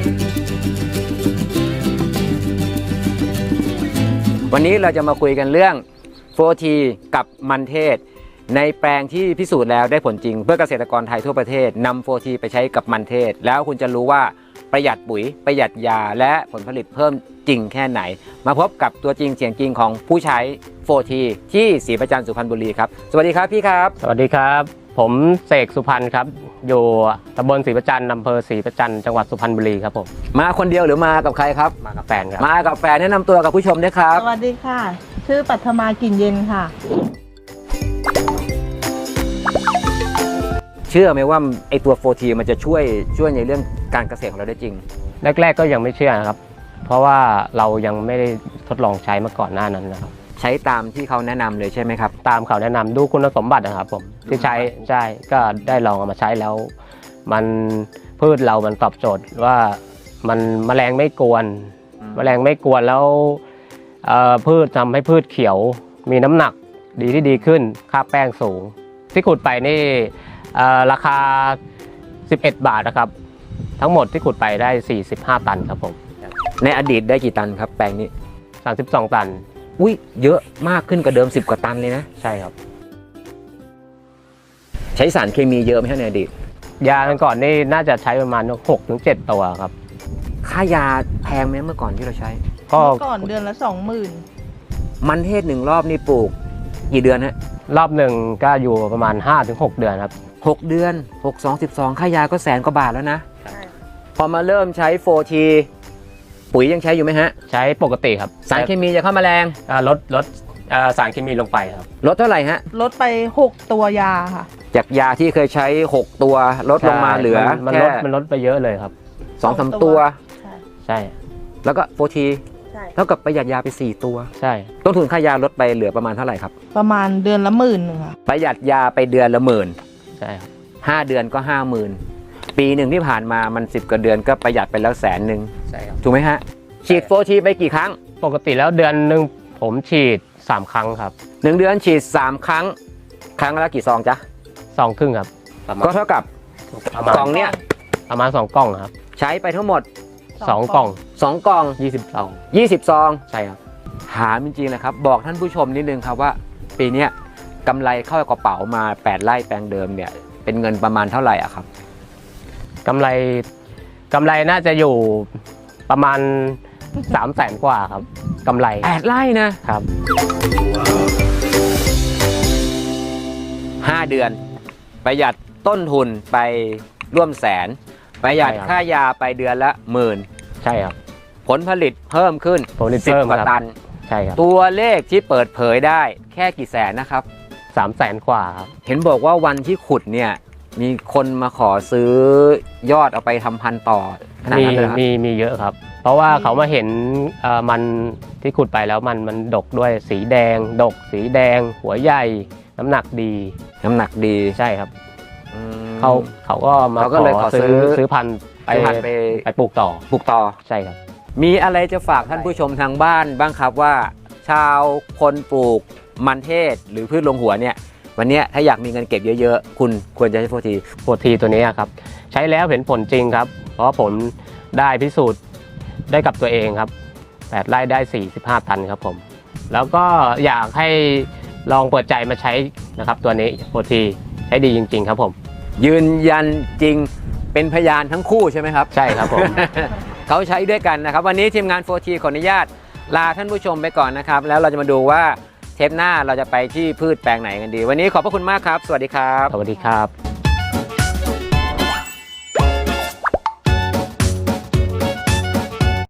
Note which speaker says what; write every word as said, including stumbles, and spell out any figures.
Speaker 1: วันนี้เราจะมาคุยกันเรื่อง โฟร์ ที กับมันเทศในแปลงที่พิสูจน์แล้วได้ผลจริงเพื่อเกษตรกรไทยทั่วประเทศนำ โฟร์ ที ไปใช้กับมันเทศแล้วคุณจะรู้ว่าประหยัดปุ๋ยประหยัดยาและผลผลิตเพิ่มจริงแค่ไหนมาพบกับตัวจริงเสียงจริงของผู้ใช้ โฟร์ ที ที่ศรีประจันทร์สุพรรณบุรีครับสวัสดีครับพี่ครับ
Speaker 2: สวัสดีครับผมเสกสุพรรณครับอยู่ตำบลศรีประจันทร์อำเภอศรีประจันทร์จังหวัดสุพรรณบุรีครับผม
Speaker 1: มาคนเดียวหรือมากับใครครับ
Speaker 2: มากับแฟนครับ
Speaker 1: มากับแฟนแนะนำตัวกับผู้ชมด้วยครับ
Speaker 3: สวัสดีค่ะชื่อปัทมากลิ่นเย็นค่ะ
Speaker 1: เชื่อไหมว่าไอตัว โฟร์ ที มันจะช่วยช่วยในเรื่องการเกษตรของเราได้จริง
Speaker 2: แรกๆก็ยังไม่เชื่อนะครับเพราะว่าเรายังไม่ได้ทดลองใช้มาก่อนหน้านั้นนะครับ
Speaker 1: ใช้ตามที่เขาแนะนำเลยใช่ไหมครับ
Speaker 2: ตามเขาแนะนำดูคุณสมบัตินะครับผมที่ใช้ใช่ก็ได้ลองเอามาใช้แล้วมันพืชเรามันตอบโจทย์ว่ามันแมลงไม่กวนแมลงไม่กวนแล้วพืชทำให้พืชเขียวมีน้ำหนักดีที่ดีขึ้นค่าแป้งสูงที่ขุดไปนี่ราคาสิบเอ็ดบาทนะครับทั้งหมดที่ขุดไปได้สี่สิบห้าตันครับผม
Speaker 1: ในอดีตได้กี่ตันครับแปลงนี้
Speaker 2: สามสิบสองตัน
Speaker 1: อุ้ยเยอะมากขึ้นกว่าเดิมสิบกว่าตันเลยนะ
Speaker 2: ใช่ครับ
Speaker 1: ใช้สารเคมีเยอะไหมในอดีต
Speaker 2: ยาก่อนนี่น่าจะใช้ประมาณหกถึงเจ็ดตัวครับ
Speaker 1: ค่ายาแพงไหมเมื่อก่อนที่เราใช้
Speaker 3: เมื่อก่อนเดือนละสองหมื่น
Speaker 1: มันเทศหนึ่งรอบนี่ปลูกกี่เดือนฮะ
Speaker 2: รอบหนึ่งก็อยู่ประมาณ ห้าถึงหก เดือนครับ
Speaker 1: หกเดือนหก สอง สิบสองค่ายาก็แสนกว่าบาทแล้วนะพอมาเริ่มใช้ โฟร์ ที ปุ๋ยยังใช้อยู่ไหมฮะ
Speaker 2: ใช้ปกติครับ
Speaker 1: สารเคมีจะเข้ามาแรง
Speaker 2: ลดลดสารเคมีลงไปครับ
Speaker 1: ลดเท่าไหร่ฮะ
Speaker 3: ลดไปหกตัวยาค่ะ
Speaker 1: จากยาที่เคยใช้หกตัวลดลงมาเหลือ
Speaker 2: มันลดมันลดไปเยอะเลยครับ
Speaker 1: สองสาม ตัว
Speaker 2: ใช่
Speaker 1: แล้วก็ โฟร์ ทีเท่ากับประหยัดยาไปสี่ตัว
Speaker 2: ใช่
Speaker 1: ต้นทุนค่ายาลดไปเหลือประมาณเท่าไหร่ครับ
Speaker 3: ประมาณเดือนละหมื่นนึงค่ะ
Speaker 1: ประหยัดยาไปเดือนละหมื่น
Speaker 2: ใช่ครับ
Speaker 1: ห้าเดือนก็ห้าหมื่นปีหนึ่งที่ผ่านมามันสิบกว่าเดือนก็ประหยัดไปแล้วแสนหนึ่ง
Speaker 2: ใช่ครับ
Speaker 1: ถูกไหมฮะฉีด โฟร์ ที ไปกี่ครั้ง
Speaker 2: ปกติแล้วเดือนหนึ่งผมฉีดสามครั้งครับ
Speaker 1: หนึ่งเดือนฉีดสามครั้งครั้งละกี่ซองจ๊ะ
Speaker 2: ซองครึ่งครับ
Speaker 1: ก็เท่ากับกล่องเนี้ย
Speaker 2: ประมาณสองกล่องครับ
Speaker 1: ใช้ไปทั้งหมด
Speaker 2: สองกล่อง
Speaker 1: สองกล่อง
Speaker 2: ยี่สิบซอง
Speaker 1: ยี่สิบซอง
Speaker 2: ใช่ครับ
Speaker 1: ถามจริงๆนะครับบอกท่านผู้ชมนิดนึงครับว่าปีนี้กำไรเข้ากระเป๋ามาแปดไร่แปลงเดิมเนี่ยเป็นเงินประมาณเท่าไหร่อ่ะครับ
Speaker 2: กำไรกำไรน่าจะอยู่ประมาณสามแสนกว่าครับกำไร
Speaker 1: แปดไร่นะครับห้าเดือนประหยัดต้นทุนไปร่วมแสนประหยัดค่ายาไปเดือนละหมื่น
Speaker 2: ใช่ครับ
Speaker 1: ผลผลิตเพิ่มขึ้นสิบกว่าตัน
Speaker 2: ใช่ครับ
Speaker 1: ตัวเลขที่เปิดเผยได้แค่กี่แสนนะครับ
Speaker 2: สามแสนกว่าครับ
Speaker 1: เห็นบอกว่าวันที่ขุดเนี่ยมีคนมาขอซื้อยอดเอาไปทำพันธุ์ต่อขนาดนั้นเลยครับ
Speaker 2: มีมีเยอะครับเพราะว่าเขามาเห็นมันที่ขุดไปแล้วมันมันดกด้วยสีแดงดกสีแดงหัวใหญ่น้ำหนักดี
Speaker 1: น้ำหนักดี
Speaker 2: ใช่ครับเขาเขาก็มาขอซื้อซื้อพันธุ์ไปไปไปปลูกต่อ
Speaker 1: ปลูกต่อ
Speaker 2: ใช่ครับ
Speaker 1: มีอะไรจะฝากท่านผู้ชมทางบ้านบ้างครับว่าชาวคนปลูกมันเทศหรือพืชลงหัวเนี่ยวันนี้ถ้าอยากมีเงินเก็บเยอะๆคุณควรจะใช้ โฟร์ ที
Speaker 2: โฟร์ ที ตัวนี้ครับใช้แล้วเห็นผลจริงครับเพราะผลได้พิสูจน์ได้กับตัวเองครับแปดไร่ได้สี่สิบห้าตันครับผมแล้วก็อยากให้ลองเปิดใจมาใช้นะครับตัวนี้ โฟร์ ที ใช้ดีจริงๆครับผม
Speaker 1: ยืนยันจริงเป็นพยานทั้งคู่ใช่ไหมครับ
Speaker 2: ใช่ครับผม
Speaker 1: เขาใช้ด้วยกันนะครับวันนี้ทีมงาน โฟร์ ที ขออนุญาตลาท่านผู้ชมไปก่อนนะครับแล้วเราจะมาดูว่าเทปหน้าเราจะไปที่พืชแปลงไหนกันดีวันนี้ขอบพระคุณมากครับสวัสดีครับ
Speaker 2: สวัสดีครับ